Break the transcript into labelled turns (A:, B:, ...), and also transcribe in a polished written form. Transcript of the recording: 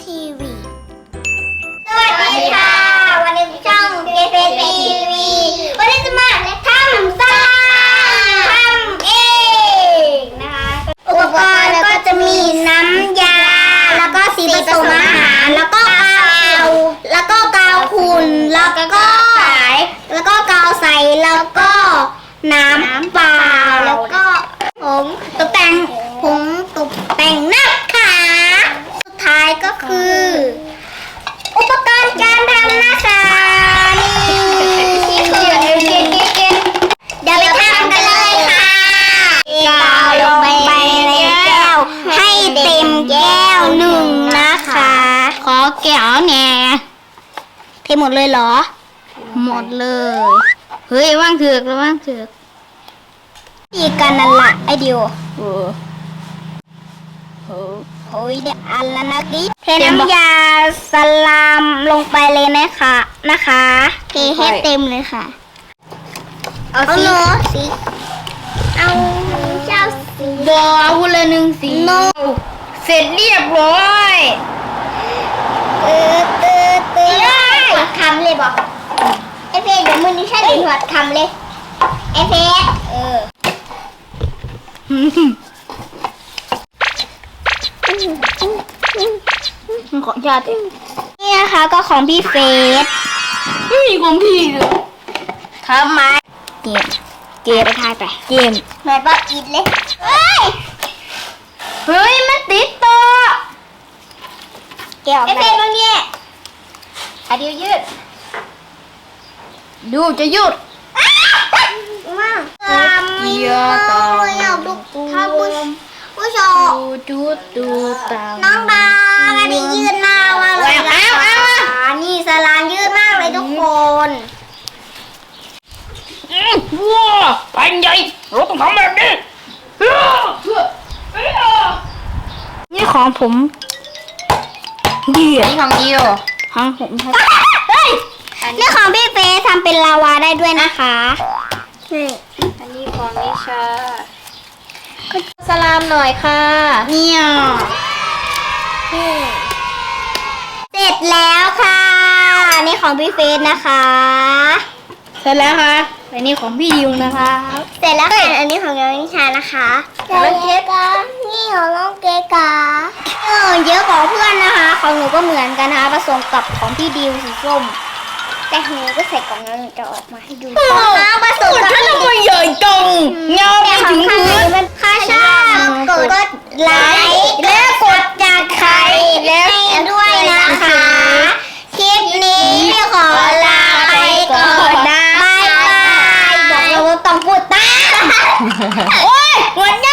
A: ทีวีสวัสดีค่ะวันนี้ช่องเกเฟสทีวีวันนี้จะมาทำซ่าทำเองนะคะอุปกรณ์ก็จะมีน้ำยาแล้วก็สีผสมอาหารแล้วก็กาวขุ่นแล้วก็สายแล้วก็กาวใสแล้วก็น้ำเปล่าแล้วก็ผงตกแต่งนะคะสุดท้ายก็คืออุปกรณ์การทำนะคะนี่เดี๋ยวไปทำกันเลยค่ะกาวลงไปในแก้วให้เต็มแก้วหนึ่งนะคะขอแก้วแน่เทหมดเลยเหรอหมดเลยเฮ้ยว่างเถือกแล้วว่างเถือกดีกันนั่นละไอเดียวโอ้ยเดี๋ยวอันละนะกิ๊เทน้ำยาสลามลงไปเลยนะคะเทให้เต็มเลยค่ะเอาสีเอาเจ้าสีบอเอาละหนึ่งสีเสร็จเรียบร้อยหัดคำเลยบอกไอเฟสเดี๋ยวมือนี้ใช่หรือหัดคำเลยไอเฟสของยาตินี่นะคะก็ของพี่เฟสไม่มีของพี่เลยทำไมเกมไปทายไปเกมหน่อยป้ากินเลยเฮ้ยมันติดตัวเกี่ยวไอเฟสตรงนี้เดี๋ยวยืดดูจะยืดว้าวเยอะต่อท่านผู้ชมน้องดาอันนี้ยืดมากเลยนี่สลามยืดมากเลยทุกคน
B: ว้าแผ่นใหญ่เราต้องทำแบบนี้
A: นี่ของผม
B: นี่ของยิว
A: ของผมนี่ของพี่เฟย์ทำเป็นลาวาได้ด้วยนะคะนี่
B: อันนี้ของนิชาสลามหน่อยค่ะ
A: เนี่ยเสร็จแล้วค่ะนี่ของพี่เฟย์นะคะ
B: เสร็จแล้วค่ะอันนี้ของพี่ยิวนะคะ
A: เสร็จแล้วค่ะอันนี้ของน้องนิชานะคะน้องเกกานี่ของน้องเกกาเยอะของเพื่อนนะคะของหนูก็เหมือนกันนะคะผสมกับของพี่ดิวสีส้มแต่ของหนูก็ใส่กล่องแล้วหนูจะออกมาให้ดูผสมกับพี่ดิว
B: ใหญ่จังเงาไปถึงพื้น
A: ถ้าชอบกดไลค์และกดจากใครแล้วด้วยนะคะคลิปนี้ขอลาไปก่อนนะบายบายบอกเราต้องพูดตามโอ้ยหัว